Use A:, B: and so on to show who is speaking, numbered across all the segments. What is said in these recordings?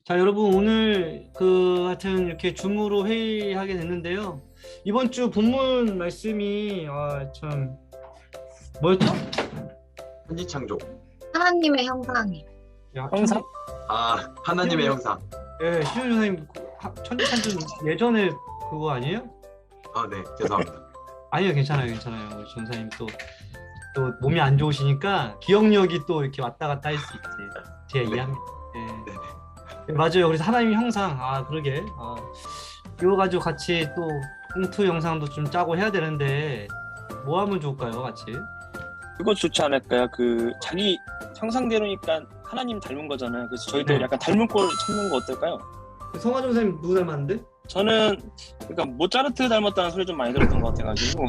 A: 자, 여러분 오늘 하여튼 이렇게 줌으로 회의하게 됐는데요. 이번 주 본문 말씀이 참 뭐였죠?
B: 천지창조.
C: 하나님의 형상이.
D: 형상?
B: 하나님의 형상.
A: 예, 시현 선생님 천지찬조 예전에 그거 아니에요?
B: 네, 죄송합니다.
A: 아니요, 괜찮아요. 우리 전사님 또 몸이 안 좋으시니까 기억력이 또 이렇게 왔다 갔다 할 수 있지. 제가 이해합니다. 예.
B: 네네.
A: 맞아요. 그래서 하나님 형상, 그러게. 이거 가지고 같이 또 공투 영상도 좀 짜고 해야 되는데 뭐 하면 좋을까요, 같이?
D: 그거 좋지 않을까요? 자기 상상대로니까 하나님 닮은 거잖아요. 그래서 저희도
A: 네.
D: 약간 닮은 꼴 찾는 거 어떨까요?
A: 성화정 선생님 누구 닮았는데?
D: 저는 그러니까 모차르트 닮았다는 소리 좀 많이 들었던 것 같아가지고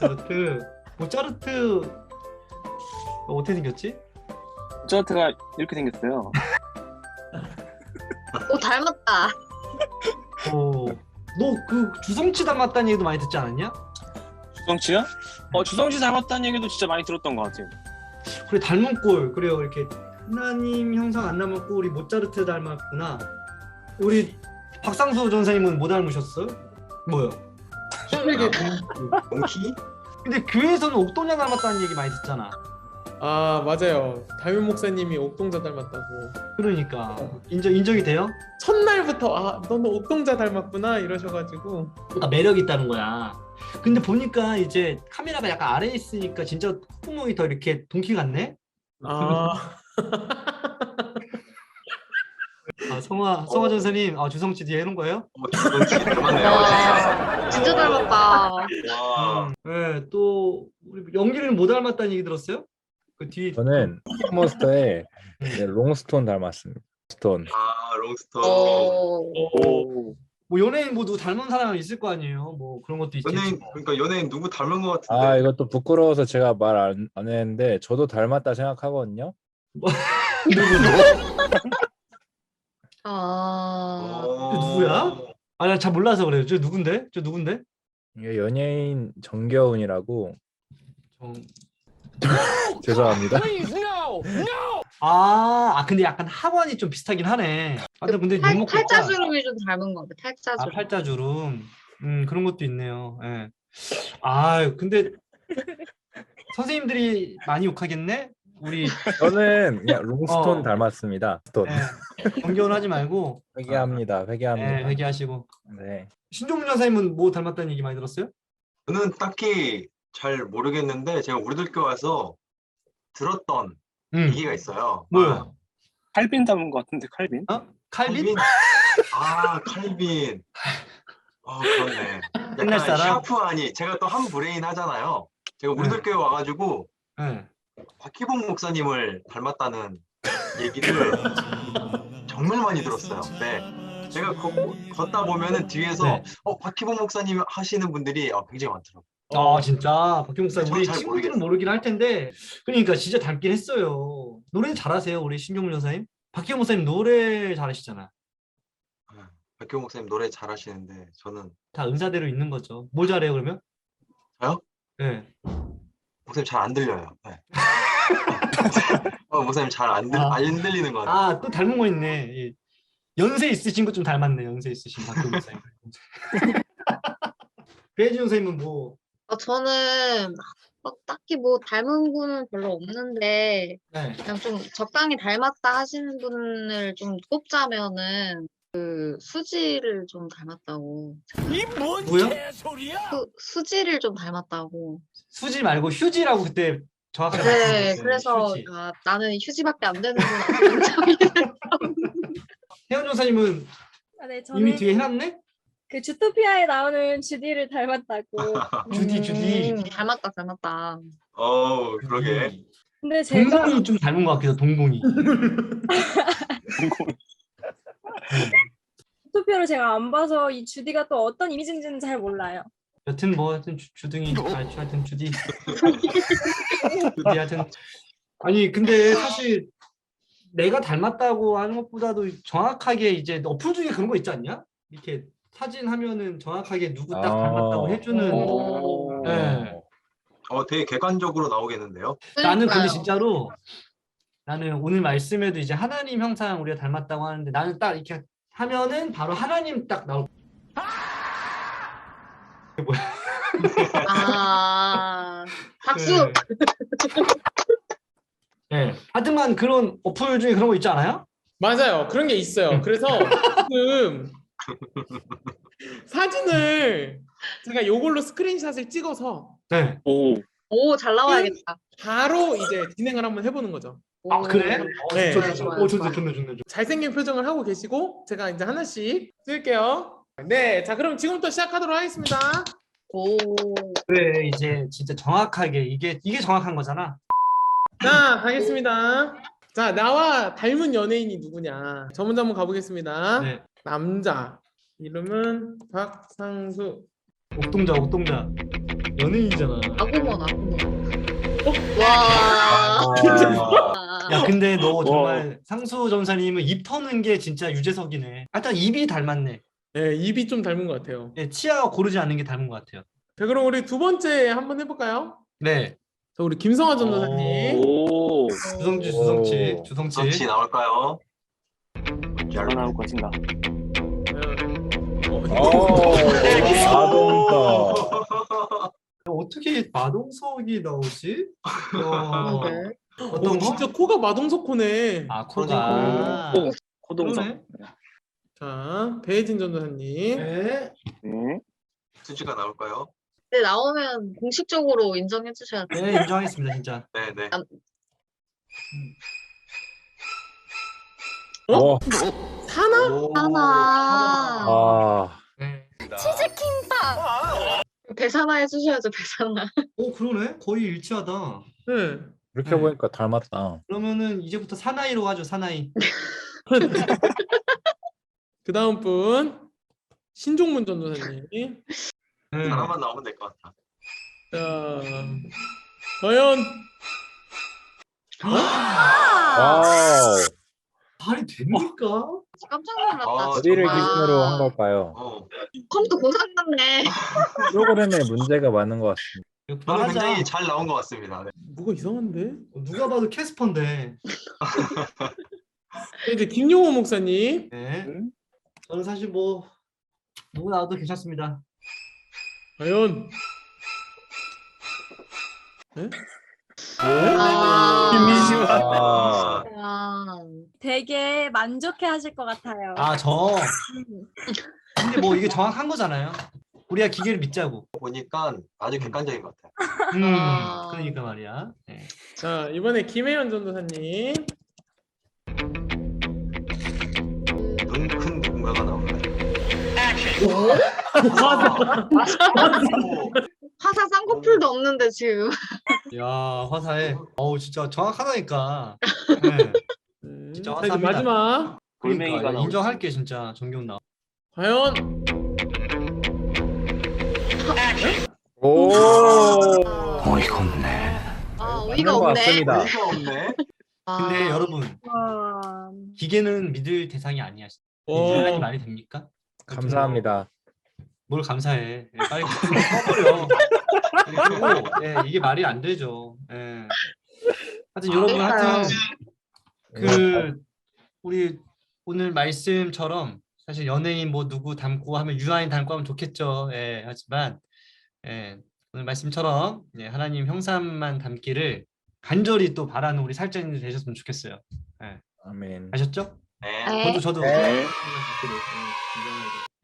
A: 모차르트 어떻게 생겼지?
D: 모차르트가 이렇게 생겼어요.
C: 오, 닮았다.
A: 너 그 주성치 닮았다는 얘기도 많이 듣지 않았냐?
D: 주성치요? 주성치 닮았다는 얘기도 진짜 많이 들었던 것 같아요.
A: 그래, 닮은 꼴. 그래요. 이렇게 하나님 형상 안 닮았고 우리 모차르트 닮았구나. 우리 박상수 전사님은 뭐 닮으셨어요? 뭐요?
B: 몽키?
A: 근데 교회에서는 옥동자 닮았다는 얘기 많이 듣잖아.
E: 맞아요. 담임 목사님이 옥동자 닮았다고.
A: 그러니까 인정이 돼요?
E: 첫날부터 너는 옥동자 닮았구나 이러셔가지고.
A: 그러니까 매력이 있다는 거야. 근데 보니까 이제 카메라가 약간 아래에 있으니까 진짜 콧구멍이 더 이렇게 동키 같네? 성화 전사님 주성치 뒤에 해놓은 거예요?
B: 주성치 닮았네요.
C: 와, 진짜 닮았다.
B: 와.
A: 네, 또 우리 연기를 못 닮았다는 얘기 들었어요? 그 뒤에
F: 저는 몬스터의 롱스톤 닮았습니다. 스톤.
B: 롱스톤.
D: 오.
A: 뭐 연예인 모두 닮은 사람 있을 거 아니에요? 뭐 그런 것도 있겠지.
B: 그러니까 연예인 누구 닮은 것 같은데.
F: 이것도 부끄러워서 제가 말 안 했는데 저도 닮았다 생각하거든요.
A: 저 누구야? 나 잘 몰라서 그래요. 저 누군데?
F: 이게 연예인 정겨운이라고.
A: 정...
F: 죄송합니다.
A: 근데 약간 학원이 좀 비슷하긴 하네. 근데 유목구가-
C: 팔자주름이 좀 닮은 것 같아. 팔자주름.
A: 팔자주름. 그런 것도 있네요. 예. 근데 선생님들이 많이 욕하겠네? 우리
F: 저는 그냥 롱스톤 닮았습니다. 스톤.
A: 정겨운 하지 말고
F: 회개합니다.
A: 네, 회개하시고.
F: 네.
A: 신종문 전사님은 뭐 닮았다는 얘기 많이 들었어요?
B: 저는 딱히 잘 모르겠는데 제가 우리들 교 와서 들었던 얘기가 있어요.
A: 뭐요?
D: 칼빈 닮은 것 같은데 칼빈?
A: 칼빈?
B: 칼빈. 그렇네.
A: 옛날
B: 약간
A: 사람?
B: 샤프하니 제가 또 한 브레인 하잖아요. 제가 우리들 교회 와가지고
A: 네.
B: 박희봉 목사님을 닮았다는 얘기를 정말 많이 들었어요. 네. 제가 걷다 보면은 뒤에서
A: 네.
B: 박희봉 목사님 하시는 분들이 굉장히 많더라고요.
A: 진짜 박경 목사님 우리
B: 잘
A: 친구들은
B: 모르겠어요.
A: 모르긴 할 텐데 그러니까 진짜 닮긴 했어요. 노래 잘하세요 우리 신종문 전사님? 박경 목사님 노래 잘하시잖아.
B: 박희봉 목사님 노래 잘하시는데 저는
A: 다 은사대로 있는 거죠. 뭘 잘해요 그러면?
B: 저요?
A: 네.
B: 목사님 잘 안 들려요. 네. 목사님 잘 안 들리는 거 같아요.
A: 또 닮은 거 있네. 연세 있으신 거 좀 닮았네. 연세 있으신 박경 목사님. 배혜진 선생님은 뭐?
C: 저는 딱히 뭐 닮은 분은 별로 없는데
A: 네.
C: 그냥 좀 적당히 닮았다 하시는 분을 좀 꼽자면은 수지를 좀 닮았다고.
A: 뭐요?
C: 수지를 좀 닮았다고.
A: 수지 말고 휴지라고 그때 정확하게
C: 네,
A: 말씀하셨어요.
C: 그래서
A: 휴지.
C: 나는 휴지밖에 안 되는구나.
A: 혜원 전사님은
G: 네, 저는
A: 이미 뒤에 해놨네?
G: 그 주토피아에 나오는 주디를 닮았다고.
A: 주디.
C: 닮았다.
B: 그러게.
G: 근데 제가
A: 동공이 좀 닮은 것 같기도. 동공이.
G: 주토피아를 제가 안 봐서 이 주디가 또 어떤 이미지인지는 잘 몰라요.
A: 여튼 주둥이 하여튼 주디 하여튼 아니 근데 사실 내가 닮았다고 하는 것보다도 정확하게 이제 어플 중에 그런 거 있지 않냐? 이렇게 사진 하면은 정확하게 누구 딱 닮았다고 해주는.
C: 오.
A: 네.
B: 되게 객관적으로 나오겠는데요.
A: 나는 근데
C: 그러니까요.
A: 진짜로 나는 오늘 말씀에도 이제 하나님 형상 우리가 닮았다고 하는데 나는 딱 이렇게 하면은 바로 하나님 딱 나올.
C: 아, 박수.
A: 네. 네. 하여튼만 그런 어플 중에 그런 거 있지 않아요?
E: 맞아요. 그런 게 있어요. 그래서 지금 사진을 제가 요걸로 스크린샷을 찍어서
A: 네.
D: 오,
C: 오, 잘 나와야겠다.
E: 바로 이제 진행을 한번 해보는 거죠.
A: 아 그래?
E: 네.
A: 좋네,
C: 좋아요,
A: 좋네,
C: 좋아요.
A: 좋네, 좋네.
E: 잘생긴 표정을 하고 계시고 제가 이제 하나씩 쓸게요. 네, 자 그럼 지금부터 시작하도록 하겠습니다.
C: 오.
A: 그래 이제 진짜 정확하게 이게 정확한 거잖아.
E: 자, 가겠습니다. 자, 나와 닮은 연예인이 누구냐? 저 먼저 한번 가보겠습니다.
A: 네.
E: 남자. 이름은 박상수.
A: 옥동자. 연예인이잖아.
C: 아구먼, 아구먼.
E: 어?
C: 와.
A: 야 근데 너 정말 상수 전사님은 입 터는 게 진짜 유재석이네. 일단 입이 닮았네.
E: 네, 입이 좀 닮은 것 같아요.
A: 네, 치아가 고르지 않는 게 닮은 것 같아요.
E: 자, 그럼 우리 두 번째 한번 해볼까요?
A: 네.
E: 자, 우리 김성화 전도사님.
D: 오,
A: 주성치.
B: 수치 나올까요?
D: 뭐가 나올 것인가?
F: 마동석.
A: 어떻게 마동석이 나오지?
C: 그러게.
A: 어떤
E: 오,
A: 거?
E: 진짜 코가 마동석코네.
A: 아 코가.
D: 코동석.
A: 그러네.
E: 자, 배혜진 전도사님.
A: 네.
D: 네.
B: 수치가 나올까요?
C: 네, 나오면 공식적으로 인정해 주셔야 돼요.
A: 네 인정하겠습니다 진짜.
B: 네네.
F: 와,
E: 사나?
C: 하나.
F: 아,
A: 네.
C: 배사나 해주셔야죠, 배사나.
A: 오 그러네. 거의 일치하다.
E: 네.
F: 이렇게
A: 네.
F: 보니까 닮았다.
A: 그러면은 이제부터 사나이로 하죠 사나이.
E: 그 다음 분. 신종문 전도사님.
A: 네.
B: 하나만 나오면 될 것 같아.
E: 자, 과연
F: 와우.
A: 말이 됩니까?
C: 깜짝 놀랐다.
F: 어디를
C: 정말.
F: 기준으로 한 걸까요?
C: 컴퓨터 고장났네.
F: 프로그램에 문제가 많은 것 같습니다.
B: 저는
A: 말하자.
B: 굉장히 잘 나온 것 같습니다. 네.
E: 뭐가 이상한데?
A: 누가 봐도 캐스퍼인데.
E: 이제 김용호 목사님.
A: 네.
D: 음?
A: 저는 사실 뭐 누구 나와도 괜찮습니다.
E: 과연
C: 아.
F: 아,
C: 아.
G: 되게 만족해 하실 것 같아요.
A: 아 저. 근데 뭐 이게 정확한 거잖아요. 우리가 기계를 믿자고.
B: 보니까 아주 객관적인 것 같아요.
C: 아.
A: 그러니까 말이야. 네.
E: 자, 이번에 김혜연 전도사님.
B: 눈 큰 누군가가 나올까요?
C: 화사 쌍꺼풀도 없는데 지금.
A: 야 화사해. 어우 진짜 정확하다니까. 네. 진짜
E: 자, 이제
A: 화사합니다.
E: 마지막.
D: 돌멩이가
A: 그러니까
D: 나올
A: 인정할게 진짜 정경 나.
E: 과연
F: 오.
B: 어이가 없네.
C: 아,
F: 맞는
C: 어이가
F: 것
C: 없네.
F: 같습니다.
B: 어이가 없네.
A: 근데
C: 아.
A: 여러분
G: 와.
A: 기계는 믿을 대상이 아니야.
E: 오.
A: 인간이 말이 됩니까?
F: 감사합니다.
A: 뭘 감사해. 예, 빨리 꺼버려. 그리고 예, 이게 말이 안 되죠. 예. 하여튼 여러분 하여튼 그 우리 오늘 말씀처럼 사실 연예인 뭐 누구 닮고 하면 유아인 닮고 하면 좋겠죠. 예, 하지만 예, 오늘 말씀처럼 예, 하나님 형상만 닮기를 간절히 또 바라는 우리 살자님들 되셨으면 좋겠어요. 예.
F: 아멘.
A: 아셨죠?
B: 네.
C: 네.
A: 저도
F: 네.
A: 닮기를, 예, 인정하고.